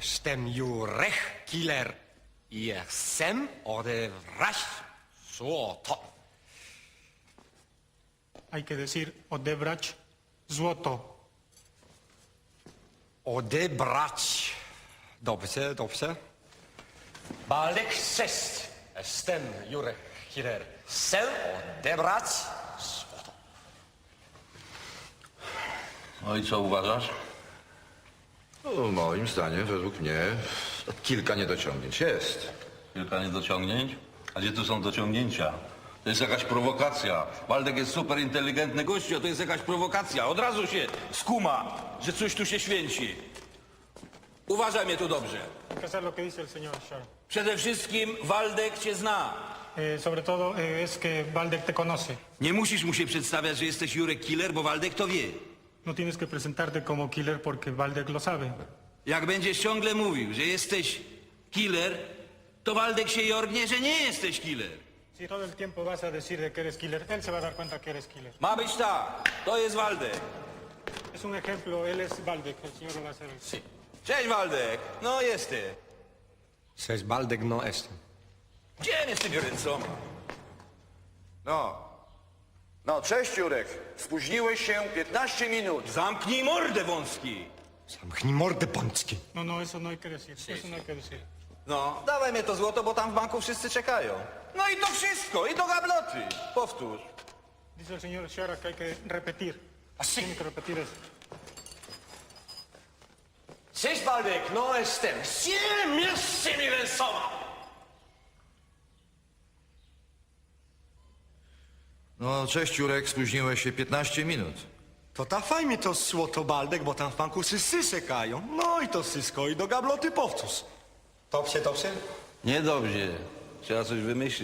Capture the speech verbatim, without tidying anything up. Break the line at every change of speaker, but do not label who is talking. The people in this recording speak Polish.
Jestem Jurek Killer i chcę odebrać złoto.
Hay que decir odebrać złoto.
Odebrać. Dobrze, dobrze. Baldek sześć. Jestem Jurek Killer. Chcę odebrać złoto.
No i co uważasz?
No, moim zdaniem, według mnie, kilka niedociągnięć jest.
Kilka niedociągnięć? A gdzie tu są dociągnięcia? To jest jakaś prowokacja. Waldek jest super inteligentny gościu, a to jest jakaś prowokacja. Od razu się skuma, że coś tu się święci. Uważaj mnie tu dobrze.
Hay que hacer lo que dice el señor Shar.
Przede wszystkim Waldek cię zna.
Eh, sobre todo eh, es que Baldek te conoce.
Nie musisz mu się przedstawiać, że jesteś Jurek Killer, bo Waldek to wie.
No tienes que presentarte como killer porque Baldek lo sabe.
Jak będziesz ciągle mówił, że jesteś killer, to Waldek się jorgnie, że nie jesteś killer.
Si todo el tiempo vas a decir de que eres killer, él se va a dar cuenta que eres killer.
Ma być tak, to jest Waldek.
Es un ejemplo, él es Baldek, el señor lo va a hacer. Sí.
Cześć Waldek, no jesteś.
Cześć Baldek, no jestem.
Gdzie jest z tymi ręcoma?
No. No, cześć Jurek. Spóźniłeś się piętnaście minut.
Zamknij mordę wąski.
Zamknij mordę pączki.
No, no, eso no hay que decir. Eso no hay que decir.
No, dawaj mnie to złoto, bo tam w banku wszyscy czekają. No i to wszystko, i do gabloty. Powtórz.
Dice el señor Shara que hay que repetir.
Así.
Tiene que repetir eso.
Cześć Baldek, no jestem. Siedem jest z tymi ręcoma.
No, cześć Jurek, spóźniłeś się piętnaście minut.
To dawaj mi to złoto Baldek, bo tam w banku wszyscy czekają. No i to wszystko, i do gabloty powtórz. Dobrze, dobrze?
Niedobrze. Trzeba coś wymyślić.